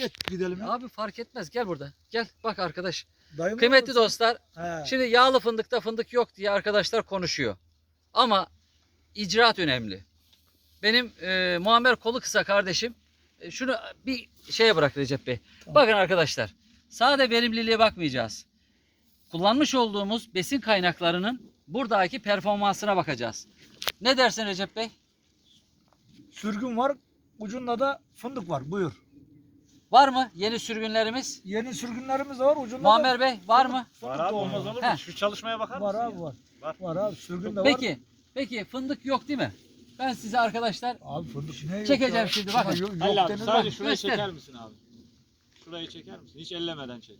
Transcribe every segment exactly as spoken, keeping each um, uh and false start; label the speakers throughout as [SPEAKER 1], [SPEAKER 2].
[SPEAKER 1] geç gidelim ya.
[SPEAKER 2] Abi fark etmez, gel burada. Gel bak arkadaş.
[SPEAKER 1] Dayım
[SPEAKER 2] Kıymetli
[SPEAKER 1] olmasın?
[SPEAKER 2] dostlar,
[SPEAKER 1] He.
[SPEAKER 2] şimdi yağlı fındıkta fındık yok diye arkadaşlar konuşuyor. Ama icraat önemli. Benim e, Muammer kolu kısa kardeşim. E, şunu bir şeye bırak Recep Bey.
[SPEAKER 1] Tamam.
[SPEAKER 2] Bakın arkadaşlar. Sadece verimliliğe bakmayacağız. Kullanmış olduğumuz besin kaynaklarının buradaki performansına bakacağız. Ne dersin Recep Bey?
[SPEAKER 1] Sürgün var. Ucunda da fındık var. Buyur.
[SPEAKER 2] Var mı yeni sürgünlerimiz?
[SPEAKER 1] Yeni sürgünlerimiz de var. Ucunda
[SPEAKER 2] Muammer
[SPEAKER 1] da
[SPEAKER 2] Bey var mı?
[SPEAKER 1] fındık
[SPEAKER 3] Var abi,
[SPEAKER 1] da
[SPEAKER 3] olmaz olur
[SPEAKER 2] He.
[SPEAKER 3] mu? Şu çalışmaya bakar
[SPEAKER 1] Var
[SPEAKER 3] mısın
[SPEAKER 1] abi
[SPEAKER 3] ya?
[SPEAKER 1] var.
[SPEAKER 3] Var.
[SPEAKER 1] Var abi. Sürgün de var.
[SPEAKER 2] Peki. Peki fındık yok değil mi? Ben size arkadaşlar
[SPEAKER 1] Abi fındık ne yok
[SPEAKER 2] çekeceğim
[SPEAKER 1] ya?
[SPEAKER 2] şimdi,
[SPEAKER 1] Şuna
[SPEAKER 2] bakın.
[SPEAKER 1] Yok, yok
[SPEAKER 3] Halil abi
[SPEAKER 1] denir
[SPEAKER 3] sadece
[SPEAKER 1] bak.
[SPEAKER 3] şurayı
[SPEAKER 2] Göster.
[SPEAKER 3] çeker misin abi? Şurayı çeker misin? Hiç ellemeden çek.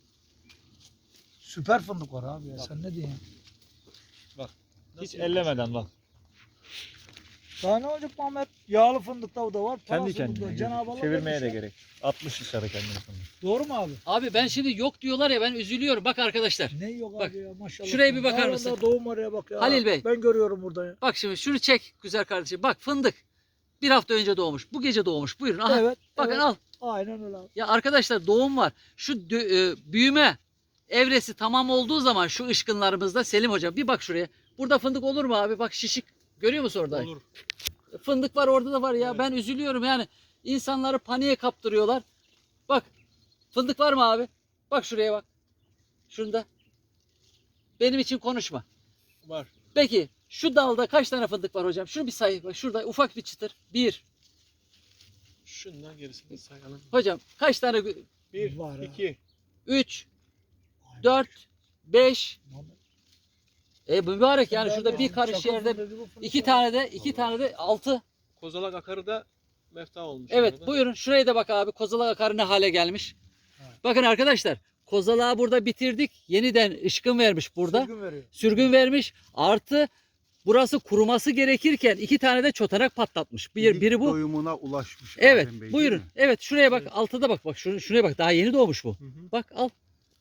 [SPEAKER 1] Süper fındık var abi ya. Sen ne diyorsun?
[SPEAKER 3] Hiç ellemeden bak.
[SPEAKER 1] Daha ne olacak Muhammed? Yağlı fındık da da var.
[SPEAKER 3] Kendi
[SPEAKER 1] parası
[SPEAKER 3] kendine.
[SPEAKER 1] da- Cenab-ı Allah
[SPEAKER 3] Çevirmeye de
[SPEAKER 1] vermiş ya.
[SPEAKER 3] gerek. altmış dışarı kendini sonra.
[SPEAKER 1] Doğru mu abi?
[SPEAKER 2] Abi ben şimdi yok diyorlar ya, ben üzülüyorum. Bak arkadaşlar.
[SPEAKER 1] Ne yok
[SPEAKER 2] Bak,
[SPEAKER 1] abi ya maşallah.
[SPEAKER 2] şuraya bir bakar
[SPEAKER 1] Dağında
[SPEAKER 2] mısın?
[SPEAKER 1] Doğum oraya bak ya.
[SPEAKER 2] Halil Bey.
[SPEAKER 1] Ben görüyorum burada ya.
[SPEAKER 2] Bak şimdi şunu çek güzel kardeşim. Bak fındık. Bir hafta önce doğmuş. Bu gece doğmuş. Buyurun. Aha.
[SPEAKER 1] Evet.
[SPEAKER 2] Bakın
[SPEAKER 1] evet.
[SPEAKER 2] al.
[SPEAKER 1] Aynen öyle abi.
[SPEAKER 2] Ya arkadaşlar doğum var. Şu dö- e, büyüme evresi tamam olduğu zaman şu ışkınlarımızda, Selim hocam bir bak şuraya. Burada fındık olur mu abi? Bak şişik. Görüyor musun orada?
[SPEAKER 3] Olur.
[SPEAKER 2] Fındık var, orada da var ya.
[SPEAKER 3] Evet.
[SPEAKER 2] Ben üzülüyorum yani. İnsanları paniğe kaptırıyorlar. Bak. Fındık var mı abi? Bak şuraya bak. Şunda. Benim için konuşma.
[SPEAKER 3] Var.
[SPEAKER 2] Peki şu dalda kaç tane fındık var hocam? Şunu bir say. Bak şurada ufak bir çıtır. Bir.
[SPEAKER 3] Şundan gerisini sayalım.
[SPEAKER 2] Hocam kaç tane?
[SPEAKER 3] Bir,
[SPEAKER 1] Var ha.
[SPEAKER 3] iki.
[SPEAKER 2] Üç. Dört. Beş.
[SPEAKER 1] Muhammed.
[SPEAKER 2] E mübarek yani
[SPEAKER 1] Ben
[SPEAKER 2] şurada
[SPEAKER 1] de
[SPEAKER 2] bir
[SPEAKER 1] abi,
[SPEAKER 2] karış
[SPEAKER 1] çakıl
[SPEAKER 2] yerde
[SPEAKER 1] fındığı bu fındık
[SPEAKER 2] iki
[SPEAKER 1] var.
[SPEAKER 2] tane de iki tane de altı.
[SPEAKER 4] Kozalak akarı da mefta olmuş.
[SPEAKER 2] Evet
[SPEAKER 4] orada.
[SPEAKER 2] buyurun şuraya da bak abi. Kozalak akarı ne hale gelmiş.
[SPEAKER 1] Evet.
[SPEAKER 2] Bakın arkadaşlar, kozalağı burada bitirdik. Yeniden ışkın vermiş burada.
[SPEAKER 1] Sürgün veriyor.
[SPEAKER 2] Sürgün vermiş. Artı burası kuruması gerekirken iki tane de çotanak patlatmış. Bir,
[SPEAKER 5] İlk
[SPEAKER 2] biri bu.
[SPEAKER 5] doyumuna ulaşmış.
[SPEAKER 2] Evet
[SPEAKER 5] Adem Bey, değil
[SPEAKER 2] buyurun.
[SPEAKER 5] mi?
[SPEAKER 2] Evet şuraya bak, altıda bak bak şunu, şuraya bak, daha yeni doğmuş bu.
[SPEAKER 4] Hı hı.
[SPEAKER 2] Bak al.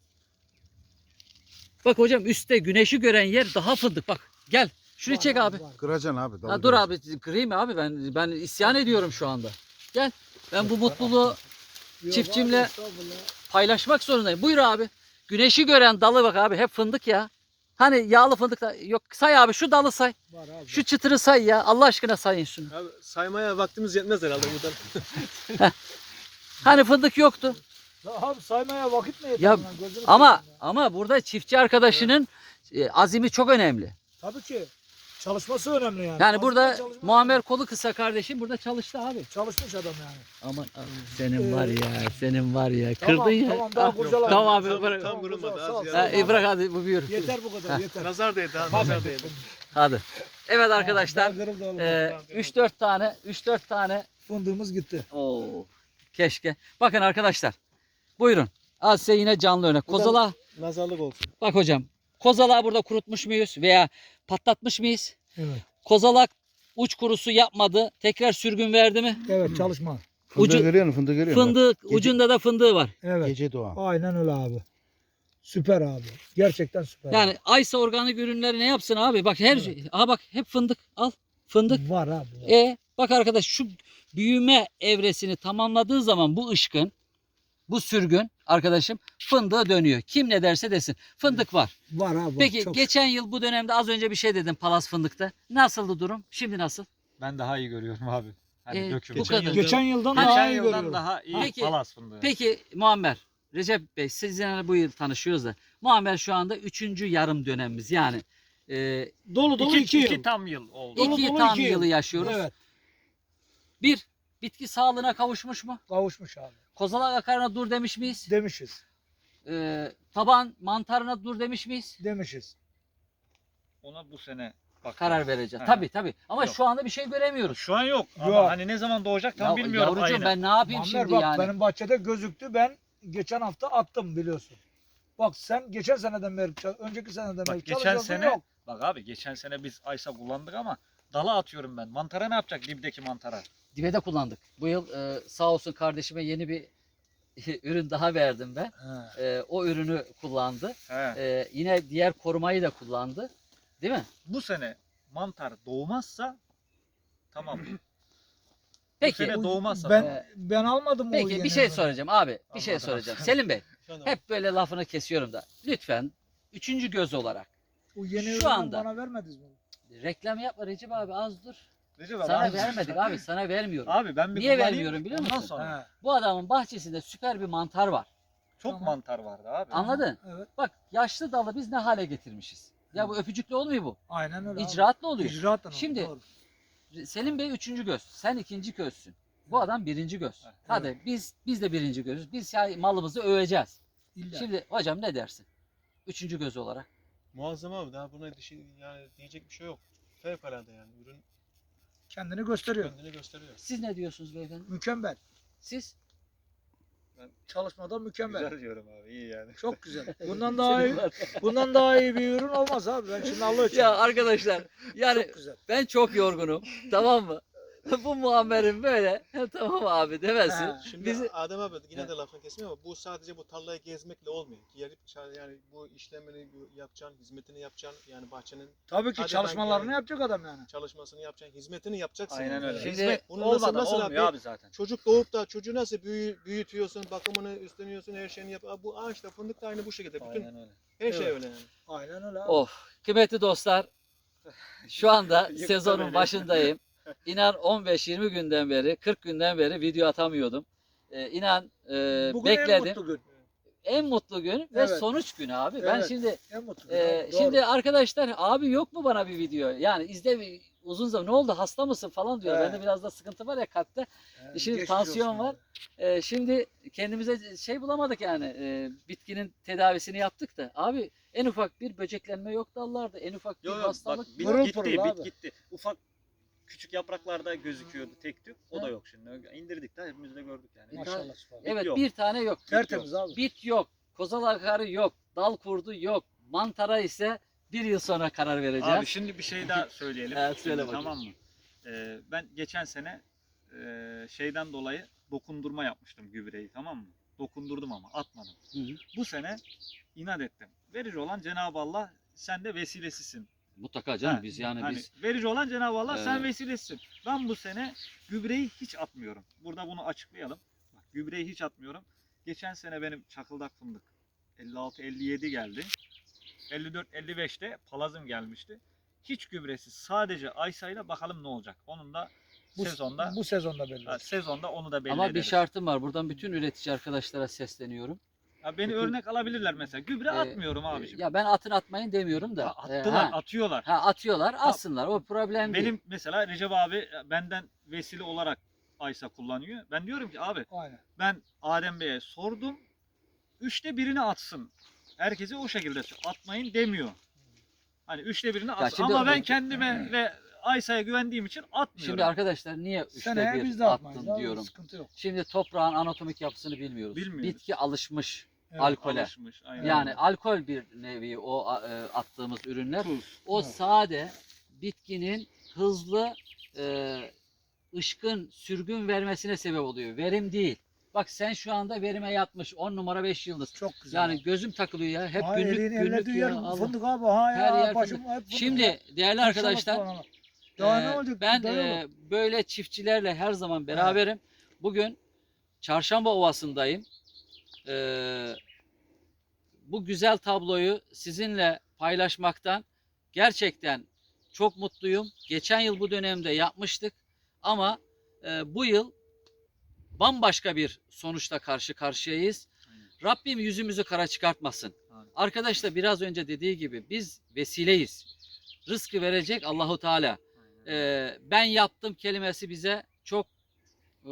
[SPEAKER 2] Bak hocam üstte güneşi gören yer daha fındık bak. Gel şurayı
[SPEAKER 1] Var
[SPEAKER 2] çek abi.
[SPEAKER 1] var.
[SPEAKER 5] Kıracaksın abi.
[SPEAKER 2] Ha, dur abi kırayım abi, ben ben isyan ediyorum şu anda. Gel. Ben bu mutluluğu
[SPEAKER 1] Yok
[SPEAKER 2] Çiftçimle-
[SPEAKER 1] abi, estağfurullah.
[SPEAKER 2] paylaşmak zorundayım. Buyur abi. Güneşi gören dalı bak abi, hep fındık ya. Hani yağlı fındık da yok, say abi şu dalı say.
[SPEAKER 1] Var abi.
[SPEAKER 2] Şu çıtırı say ya. Allah aşkına sayın şunu.
[SPEAKER 4] Abi saymaya vaktimiz yetmez herhalde buradan.
[SPEAKER 2] Hani fındık yoktu.
[SPEAKER 1] Ya abi saymaya vakit mi yeter?
[SPEAKER 2] Ya,
[SPEAKER 1] lan? Gözünü
[SPEAKER 2] Ama
[SPEAKER 1] seveyim ya.
[SPEAKER 2] ama burada çiftçi arkadaşının e, azimi çok önemli.
[SPEAKER 1] Tabii ki. Çalışması önemli yani.
[SPEAKER 2] Yani
[SPEAKER 1] Az
[SPEAKER 2] burada
[SPEAKER 1] çalışma-
[SPEAKER 2] Muammer kolu kısa kardeşim burada çalıştı abi.
[SPEAKER 1] Çalışmış adam yani.
[SPEAKER 2] Aman senin var ya, senin var ya.
[SPEAKER 1] Tamam,
[SPEAKER 2] Kırdın ya.
[SPEAKER 1] Tamam daha
[SPEAKER 2] Ah,
[SPEAKER 1] kurcalama.
[SPEAKER 2] Tamam abi,
[SPEAKER 4] Tam-
[SPEAKER 2] bırak.
[SPEAKER 4] tam kırılmadı,
[SPEAKER 1] Sağ ol,
[SPEAKER 4] az
[SPEAKER 1] sağ ol.
[SPEAKER 4] yani.
[SPEAKER 2] Ha, e, bırak hadi bu buyur.
[SPEAKER 1] Yeter bu kadar yeter.
[SPEAKER 4] Nazar değdi abi,
[SPEAKER 1] Tamam.
[SPEAKER 4] nazar değdi.
[SPEAKER 2] Hadi. Evet arkadaşlar.
[SPEAKER 1] Daha kırıldı oğlum.
[SPEAKER 2] E, üç dört tane üç dört tane.
[SPEAKER 1] Fındığımız gitti.
[SPEAKER 2] Oo. Keşke. Bakın arkadaşlar. Buyurun. Al size yine canlı örnek. Kozala.
[SPEAKER 4] Nazarlık olsun.
[SPEAKER 2] Bak hocam. Kozalağı burada kurutmuş muyuz veya patlatmış mıyız?
[SPEAKER 1] Evet.
[SPEAKER 2] Kozalak uç kurusu yapmadı. Tekrar sürgün verdi mi?
[SPEAKER 1] Evet çalışma.
[SPEAKER 5] Fındığı
[SPEAKER 2] Ucu-
[SPEAKER 5] görüyor musun? Fındığı görüyor musun?
[SPEAKER 2] Fındık
[SPEAKER 5] Gece-
[SPEAKER 2] ucunda da fındığı var.
[SPEAKER 1] Evet.
[SPEAKER 5] Gece doğan.
[SPEAKER 1] Aynen öyle abi. Süper abi. Gerçekten süper.
[SPEAKER 2] Yani Aysa organik ürünleri ne yapsın abi? Bak her şey. Aha bak hep fındık. Al. Fındık.
[SPEAKER 1] Var abi. Var.
[SPEAKER 2] E bak arkadaş şu büyüme evresini tamamladığı zaman bu ışkın, bu sürgün arkadaşım fındığa dönüyor. Kim ne derse desin. Fındık var.
[SPEAKER 1] Var abi. var.
[SPEAKER 2] Peki
[SPEAKER 1] Çok
[SPEAKER 2] geçen yıl bu dönemde az önce bir şey dedim Palas fındıkta. Nasıldı durum? Şimdi nasıl?
[SPEAKER 3] Ben daha iyi görüyorum abi. Hani
[SPEAKER 2] Ee,
[SPEAKER 3] dökümü.
[SPEAKER 2] bu kadar.
[SPEAKER 3] Geçen,
[SPEAKER 1] Geçen yıldan
[SPEAKER 2] Geçen
[SPEAKER 1] daha iyi
[SPEAKER 3] yıldan
[SPEAKER 1] görüyorum.
[SPEAKER 3] daha iyi
[SPEAKER 2] Peki-
[SPEAKER 3] palas fındığı.
[SPEAKER 2] Peki Muammer, Recep Bey sizinle bu yıl tanışıyoruz da. Muammer şu anda üçüncü yarım dönemimiz. Yani e,
[SPEAKER 1] Dolu dolu
[SPEAKER 3] iki,
[SPEAKER 1] iki,
[SPEAKER 3] iki
[SPEAKER 1] yıl.
[SPEAKER 3] tam yıl oldu.
[SPEAKER 1] Dolu
[SPEAKER 2] iki
[SPEAKER 1] dolu
[SPEAKER 2] tam
[SPEAKER 1] iki yıl.
[SPEAKER 2] yılı yaşıyoruz.
[SPEAKER 1] Evet.
[SPEAKER 2] Bir, bitki sağlığına kavuşmuş mu?
[SPEAKER 1] Kavuşmuş abi.
[SPEAKER 2] Kozalak akarına dur demiş miyiz?
[SPEAKER 1] Demişiz.
[SPEAKER 2] Ee, taban mantarına dur demiş miyiz?
[SPEAKER 1] Demişiz.
[SPEAKER 3] Ona bu sene bak.
[SPEAKER 2] Karar vereceğiz.
[SPEAKER 3] Ha.
[SPEAKER 2] Tabii tabii. Ama
[SPEAKER 3] Yok.
[SPEAKER 2] şu anda bir şey göremiyoruz.
[SPEAKER 3] Şu an yok.
[SPEAKER 1] Yok.
[SPEAKER 3] Ama hani ne zaman doğacak tam
[SPEAKER 2] Ya
[SPEAKER 3] bilmiyorum
[SPEAKER 2] yavrucuğum
[SPEAKER 3] ayını.
[SPEAKER 2] ben ne yapayım
[SPEAKER 1] Muammer
[SPEAKER 2] şimdi
[SPEAKER 1] bak
[SPEAKER 2] yani?
[SPEAKER 1] benim bahçede gözüktü. Ben geçen hafta attım biliyorsun. Bak sen geçen seneden beri, çal- önceki seneden beri
[SPEAKER 3] Bak geçen
[SPEAKER 1] çalışıyorsun,
[SPEAKER 3] sene
[SPEAKER 1] yok.
[SPEAKER 3] bak abi geçen sene biz Aysa kullandık ama dala atıyorum ben. Mantara ne yapacak dibdeki mantara?
[SPEAKER 2] Dibe de kullandık. Bu yıl e, sağ olsun kardeşime yeni bir ürün daha verdim ben.
[SPEAKER 1] He.
[SPEAKER 2] E, o ürünü kullandı.
[SPEAKER 3] He.
[SPEAKER 2] E, yine diğer korumayı da kullandı. Değil mi?
[SPEAKER 3] Bu sene mantar doğmazsa tamam.
[SPEAKER 2] Peki.
[SPEAKER 3] sene doğmazsa
[SPEAKER 1] Ben
[SPEAKER 2] Ee,
[SPEAKER 1] ben almadım o
[SPEAKER 2] Peki
[SPEAKER 1] yeni
[SPEAKER 2] bir şey
[SPEAKER 1] evini.
[SPEAKER 2] soracağım abi. Bir şey
[SPEAKER 3] Anladım.
[SPEAKER 2] soracağım. Selim Bey
[SPEAKER 4] Efendim?
[SPEAKER 2] hep böyle lafını kesiyorum da. Lütfen üçüncü göz olarak.
[SPEAKER 1] O yeni
[SPEAKER 2] şu
[SPEAKER 1] ürünü
[SPEAKER 2] anda-
[SPEAKER 1] bana vermediniz mi?
[SPEAKER 2] Reklam yapma Recep abi az dur.
[SPEAKER 3] Recep abi,
[SPEAKER 2] Sana
[SPEAKER 3] abi,
[SPEAKER 2] vermedik abi sana vermiyorum.
[SPEAKER 3] Abi ben bir
[SPEAKER 2] Niye
[SPEAKER 3] kullanayım,
[SPEAKER 2] vermiyorum biliyor
[SPEAKER 3] ondan
[SPEAKER 2] musun?
[SPEAKER 3] sonra.
[SPEAKER 1] He,
[SPEAKER 2] Bu adamın bahçesinde süper bir mantar var.
[SPEAKER 3] Çok
[SPEAKER 1] Tamam.
[SPEAKER 3] mantar vardı abi.
[SPEAKER 2] Anladın?
[SPEAKER 1] evet.
[SPEAKER 2] Bak yaşlı dalı biz ne hale getirmişiz. Ya bu öpücükle olmuyor bu.
[SPEAKER 1] Aynen öyle. abi.
[SPEAKER 2] İcraatla oluyor.
[SPEAKER 1] İcraatla oldu,
[SPEAKER 2] Şimdi-
[SPEAKER 1] doğru.
[SPEAKER 2] Selim Bey üçüncü göz. Sen ikinci gözsün. Bu adam birinci göz.
[SPEAKER 3] Evet.
[SPEAKER 2] Hadi biz biz de birinci gözüz. Biz ya malımızı öveceğiz.
[SPEAKER 1] İlla.
[SPEAKER 2] Şimdi hocam ne dersin? Üçüncü göz olarak.
[SPEAKER 4] Muazzam abi, daha buna dişi, yani diyecek bir şey yok. Fevkalade yani, ürün
[SPEAKER 1] Kendini gösteriyor.
[SPEAKER 4] kendini gösteriyor.
[SPEAKER 2] Siz ne diyorsunuz beyefendi?
[SPEAKER 1] Mükemmel.
[SPEAKER 2] Siz?
[SPEAKER 1] Çalışmada mükemmel.
[SPEAKER 3] Güzel diyorum abi, iyi yani.
[SPEAKER 1] Çok güzel. Bundan daha iyi, bundan daha iyi bir ürün olmaz abi. Ben şimdi Allah için.
[SPEAKER 2] Ya arkadaşlar yani
[SPEAKER 1] çok güzel.
[SPEAKER 2] ben çok yorgunum. Tamam mı? Bu Muammer'in böyle tamam abi demesin.
[SPEAKER 1] Ha.
[SPEAKER 4] Şimdi
[SPEAKER 2] Bizi-
[SPEAKER 4] Adem abi yine
[SPEAKER 2] Evet.
[SPEAKER 4] de lafını kesmiyor ama bu sadece bu tarlayı gezmekle olmuyor. Gelip ça- yani bu işlemini yapacaksın, hizmetini yapacaksın, yani bahçenin
[SPEAKER 1] Tabii ki
[SPEAKER 4] Hadi
[SPEAKER 1] çalışmalarını
[SPEAKER 4] ben-
[SPEAKER 1] yapacak adam yani.
[SPEAKER 4] çalışmasını yapacaksın, hizmetini yapacaksın.
[SPEAKER 3] Aynen
[SPEAKER 4] yani.
[SPEAKER 3] öyle.
[SPEAKER 2] Şimdi-
[SPEAKER 3] Hizmet
[SPEAKER 4] Bunu nasıl-
[SPEAKER 3] olmadan
[SPEAKER 4] nasıl
[SPEAKER 3] olmuyor
[SPEAKER 4] abi-
[SPEAKER 3] abi zaten.
[SPEAKER 4] Çocuk doğup da çocuğu nasıl büyü, büyütüyorsun, bakımını üstleniyorsun, her şeyini yap. Aa, Bu ağaçta fındık da aynı bu şekilde. Bütün
[SPEAKER 3] Aynen öyle.
[SPEAKER 4] her şey
[SPEAKER 1] Evet.
[SPEAKER 4] öyle yani.
[SPEAKER 1] Aynen öyle abi.
[SPEAKER 2] Of kıymetli dostlar şu anda
[SPEAKER 3] Yıktı
[SPEAKER 2] sezonun
[SPEAKER 3] beni.
[SPEAKER 2] başındayım. İnan on beş yirmi günden beri kırk günden beri video atamıyordum. Ee, inan e,
[SPEAKER 1] Bugün en
[SPEAKER 2] bekledim.
[SPEAKER 1] mutlu gün.
[SPEAKER 2] En mutlu gün ve
[SPEAKER 1] Evet.
[SPEAKER 2] sonuç günü abi. Ben
[SPEAKER 1] Evet.
[SPEAKER 2] şimdi
[SPEAKER 1] En mutlu gün.
[SPEAKER 2] e,
[SPEAKER 1] abi, doğru.
[SPEAKER 2] şimdi arkadaşlar abi yok mu bana bir video? Yani izle bir- uzun zaman ne oldu hasta mısın falan diyor.
[SPEAKER 1] He.
[SPEAKER 2] Bende biraz da sıkıntı var ya kalpte.
[SPEAKER 1] He,
[SPEAKER 2] şimdi
[SPEAKER 1] geçmiş
[SPEAKER 2] tansiyon
[SPEAKER 1] olsun
[SPEAKER 2] var.
[SPEAKER 1] abi.
[SPEAKER 2] E, şimdi kendimize şey bulamadık yani. E, bitkinin tedavisini yaptık da. Abi en ufak bir böceklenme yok dallarda. En ufak bir
[SPEAKER 3] Yok yok bak
[SPEAKER 2] hastalık
[SPEAKER 3] bit
[SPEAKER 1] Pırıl
[SPEAKER 3] gitti,
[SPEAKER 1] pırıl
[SPEAKER 3] bit
[SPEAKER 1] abi.
[SPEAKER 3] gitti. Ufak küçük yapraklarda gözüküyordu tek tük. O
[SPEAKER 2] Ha.
[SPEAKER 3] da yok şimdi. İndirdik de hepimiz de gördük yani.
[SPEAKER 1] Maşallah. subhanallah.
[SPEAKER 2] Evet
[SPEAKER 3] yok.
[SPEAKER 2] bir tane yok.
[SPEAKER 1] Tertemiz abi.
[SPEAKER 2] Bit yok. Kozal akarı yok. Dal kurdu yok. Mantara ise bir yıl sonra karar vereceğim.
[SPEAKER 3] Abi şimdi bir şey daha söyleyelim.
[SPEAKER 2] Evet, söyle
[SPEAKER 3] Şimdi,
[SPEAKER 2] bakayım.
[SPEAKER 3] tamam mı? Ee, ben geçen sene e, şeyden dolayı dokundurma yapmıştım gübreyi, tamam mı? Dokundurdum ama atmadım.
[SPEAKER 2] Hı hı.
[SPEAKER 3] Bu sene inat ettim. Verici olan Cenab-ı Allah, sen de vesilesisin.
[SPEAKER 2] Mutlaka canım
[SPEAKER 3] Ha,
[SPEAKER 2] biz yani
[SPEAKER 3] hani
[SPEAKER 2] biz
[SPEAKER 3] verici olan Cenab-ı Allah, sen
[SPEAKER 2] Evet.
[SPEAKER 3] vesilesisin. Ben bu sene gübreyi hiç atmıyorum. Burada bunu açıklayalım. Bak, gübreyi hiç atmıyorum. Geçen sene benim çakıldak fındık elli altı elli yedi geldi. elli dört elli beşte palazım gelmişti. Hiç gübresiz, sadece Aysa'yla bakalım ne olacak. Onun da
[SPEAKER 1] Bu,
[SPEAKER 3] sezonda
[SPEAKER 1] bu sezonda belli.
[SPEAKER 3] ha,
[SPEAKER 1] olacak.
[SPEAKER 3] sezonda onu da belli
[SPEAKER 2] ama bir
[SPEAKER 3] ederiz.
[SPEAKER 2] şartım var. Buradan bütün üretici arkadaşlara sesleniyorum.
[SPEAKER 3] Ha, beni
[SPEAKER 2] Bütün-
[SPEAKER 3] örnek alabilirler mesela. Gübre
[SPEAKER 2] Ee,
[SPEAKER 3] atmıyorum abiciğim.
[SPEAKER 2] Ya ben atın atmayın demiyorum da.
[SPEAKER 3] Ha,
[SPEAKER 2] Ee,
[SPEAKER 3] attılar,
[SPEAKER 2] ha,
[SPEAKER 3] atıyorlar.
[SPEAKER 2] ha, atıyorlar, atsınlar. O problem değil.
[SPEAKER 3] Benim mesela Recep abi benden vesile olarak Aysa kullanıyor. Ben diyorum ki abi,
[SPEAKER 1] Aynen.
[SPEAKER 3] ben Adem Bey'e sordum. Üçte birini atsın. Herkese o şekilde atmayın demiyor. Hani üçte birini atsın.
[SPEAKER 2] şimdi-
[SPEAKER 3] Ama ben kendime ve Aysa'ya güvendiğim için atmıyorum.
[SPEAKER 2] Şimdi arkadaşlar niye üçte
[SPEAKER 1] Seneye biz
[SPEAKER 2] bir
[SPEAKER 1] de atmayız
[SPEAKER 2] attın
[SPEAKER 1] abi.
[SPEAKER 2] diyorum.
[SPEAKER 1] Sıkıntı yok.
[SPEAKER 2] Şimdi toprağın anatomik yapısını bilmiyoruz.
[SPEAKER 3] Bilmiyoruz.
[SPEAKER 2] Bitki alışmış
[SPEAKER 1] Evet.
[SPEAKER 2] alkole.
[SPEAKER 3] Alışmış, aynen.
[SPEAKER 2] Yani alkol bir nevi o a- e, attığımız ürünler.
[SPEAKER 3] Tuz.
[SPEAKER 2] O
[SPEAKER 1] Evet.
[SPEAKER 2] sade bitkinin hızlı e, ışkın sürgün vermesine sebep oluyor. Verim değil. Bak sen şu anda verime yatmış on numara beş yıldız.
[SPEAKER 1] Çok güzel.
[SPEAKER 2] Yani gözüm takılıyor ya. Hep
[SPEAKER 1] ha,
[SPEAKER 2] günlük
[SPEAKER 1] elini
[SPEAKER 2] günlük
[SPEAKER 1] ellediği
[SPEAKER 2] ya.
[SPEAKER 1] yer
[SPEAKER 2] Allah.
[SPEAKER 1] fındık abi. Ha ya.
[SPEAKER 2] Her yer
[SPEAKER 1] başım
[SPEAKER 2] fındık.
[SPEAKER 1] hep fındık
[SPEAKER 2] Şimdi
[SPEAKER 1] ya.
[SPEAKER 2] değerli
[SPEAKER 1] Maşallah,
[SPEAKER 2] arkadaşlar
[SPEAKER 1] subhanallah. Daha ne
[SPEAKER 2] e,
[SPEAKER 1] olacak?
[SPEAKER 2] ben
[SPEAKER 1] Daha
[SPEAKER 2] e,
[SPEAKER 1] yok.
[SPEAKER 2] böyle çiftçilerle her zaman beraberim. Bugün Çarşamba Ovası'ndayım. E, bu güzel tabloyu sizinle paylaşmaktan gerçekten çok mutluyum. Geçen yıl bu dönemde yapmıştık ama e, bu yıl bambaşka bir sonuçla karşı karşıyayız.
[SPEAKER 3] Aynen.
[SPEAKER 2] Rabbim yüzümüzü kara çıkartmasın.
[SPEAKER 3] Aynen.
[SPEAKER 2] Arkadaş da biraz önce dediği gibi biz vesileyiz. Rızkı verecek Allahu Teala.
[SPEAKER 3] Aynen.
[SPEAKER 2] Ee, ben yaptım kelimesi bize çok e,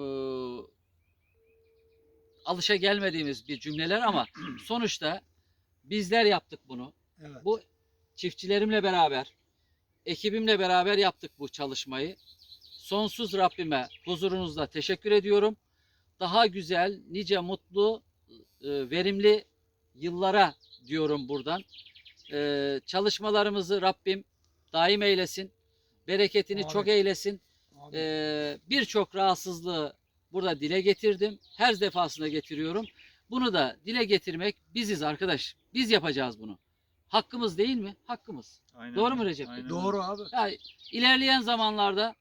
[SPEAKER 2] alışa gelmediğimiz bir cümleler ama sonuçta bizler yaptık bunu.
[SPEAKER 1] Evet.
[SPEAKER 2] Bu çiftçilerimle beraber, ekibimle beraber yaptık bu çalışmayı. Sonsuz Rabbime huzurunuzda teşekkür ediyorum. Daha güzel, nice mutlu, e, verimli yıllara diyorum buradan. E, çalışmalarımızı Rabbim daim eylesin. Bereketini
[SPEAKER 1] Amin.
[SPEAKER 2] çok eylesin.
[SPEAKER 1] Abi,
[SPEAKER 2] E, Birçok rahatsızlığı burada dile getirdim. Her defasında getiriyorum. Bunu da dile getirmek biziz arkadaş. Biz yapacağız bunu. Hakkımız değil mi? Hakkımız.
[SPEAKER 3] Aynen
[SPEAKER 2] Doğru mu
[SPEAKER 3] öyle.
[SPEAKER 2] Recep Bey?
[SPEAKER 3] Aynen
[SPEAKER 1] doğru
[SPEAKER 3] öyle.
[SPEAKER 1] abi.
[SPEAKER 2] Yani ilerleyen zamanlarda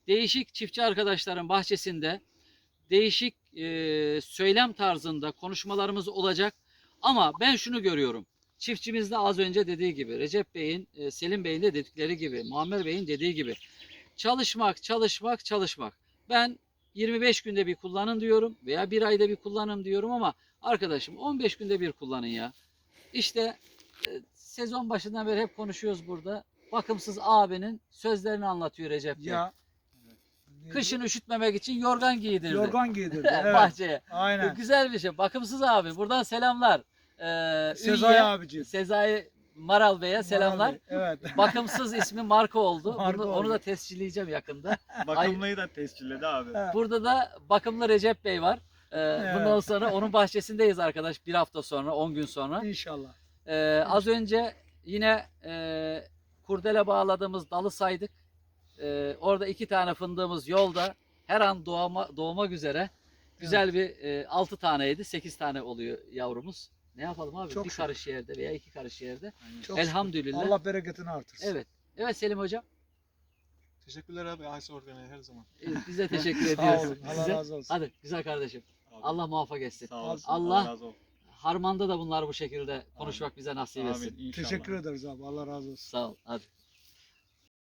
[SPEAKER 2] değişik çiftçi arkadaşların bahçesinde değişik e, söylem tarzında konuşmalarımız olacak. Ama ben şunu görüyorum. Çiftçimiz de az önce dediği gibi, Recep Bey'in, e, Selim Bey'in de dedikleri gibi, Muammer Bey'in dediği gibi çalışmak, çalışmak, çalışmak. Ben yirmi beş günde bir kullanın diyorum veya bir ayda bir kullanın diyorum ama arkadaşım on beş günde bir kullanın ya. İşte e, sezon başından beri hep konuşuyoruz burada. Bakımsız abinin sözlerini anlatıyor Recep Bey.
[SPEAKER 1] Ya.
[SPEAKER 2] Kışın üşütmemek için yorgan giydirdi.
[SPEAKER 1] Yorgan giydirdi. Evet.
[SPEAKER 2] Bahçeye.
[SPEAKER 1] Aynen.
[SPEAKER 2] Güzel bir şey. Bakımsız abi. Buradan selamlar. Ee,
[SPEAKER 1] Sezai
[SPEAKER 2] Ünye,
[SPEAKER 1] abici.
[SPEAKER 2] Sezai Maral Bey'e selamlar.
[SPEAKER 1] Abi, evet.
[SPEAKER 2] Bakımsız ismi marka oldu.
[SPEAKER 1] Marka
[SPEAKER 2] Bunu,
[SPEAKER 1] oldu.
[SPEAKER 2] onu da tescilleyeceğim yakında.
[SPEAKER 3] Bakımlıyı da tescilledi abi.
[SPEAKER 2] Burada da bakımlı Recep Bey var. Ee,
[SPEAKER 1] Evet.
[SPEAKER 2] Bundan sonra onun bahçesindeyiz arkadaş. Bir hafta sonra, on gün sonra.
[SPEAKER 1] İnşallah.
[SPEAKER 2] Ee, az önce yine e, kurdele bağladığımız dalı saydık. Ee, orada iki tane fındığımız yolda. Her an doğma, doğmak üzere. Güzel bir e, altı taneydi. Sekiz tane oluyor yavrumuz. Ne yapalım abi?
[SPEAKER 1] Çok
[SPEAKER 2] bir
[SPEAKER 1] şükür.
[SPEAKER 2] karış yerde veya iki karış yerde.
[SPEAKER 1] Çok
[SPEAKER 2] Elhamdülillah.
[SPEAKER 1] şükür. Allah bereketini artırsın.
[SPEAKER 2] Evet. Evet Selim Hocam.
[SPEAKER 4] Teşekkürler abi. Aysa Organi'ye her zaman.
[SPEAKER 2] e, Biz de teşekkür
[SPEAKER 1] Sağ
[SPEAKER 2] ediyoruz.
[SPEAKER 1] olun. Allah
[SPEAKER 2] size.
[SPEAKER 1] razı olsun.
[SPEAKER 2] Hadi güzel kardeşim.
[SPEAKER 3] Abi,
[SPEAKER 2] Allah muvaffak etsin.
[SPEAKER 3] sağ olasın.
[SPEAKER 2] Allah-
[SPEAKER 3] razı olsun.
[SPEAKER 2] Harmanda da bunlar bu şekilde konuşmak bize nasip etsin.
[SPEAKER 3] Amin, inşallah.
[SPEAKER 1] Teşekkür ederiz abi. Allah razı olsun.
[SPEAKER 2] Sağ ol. Hadi.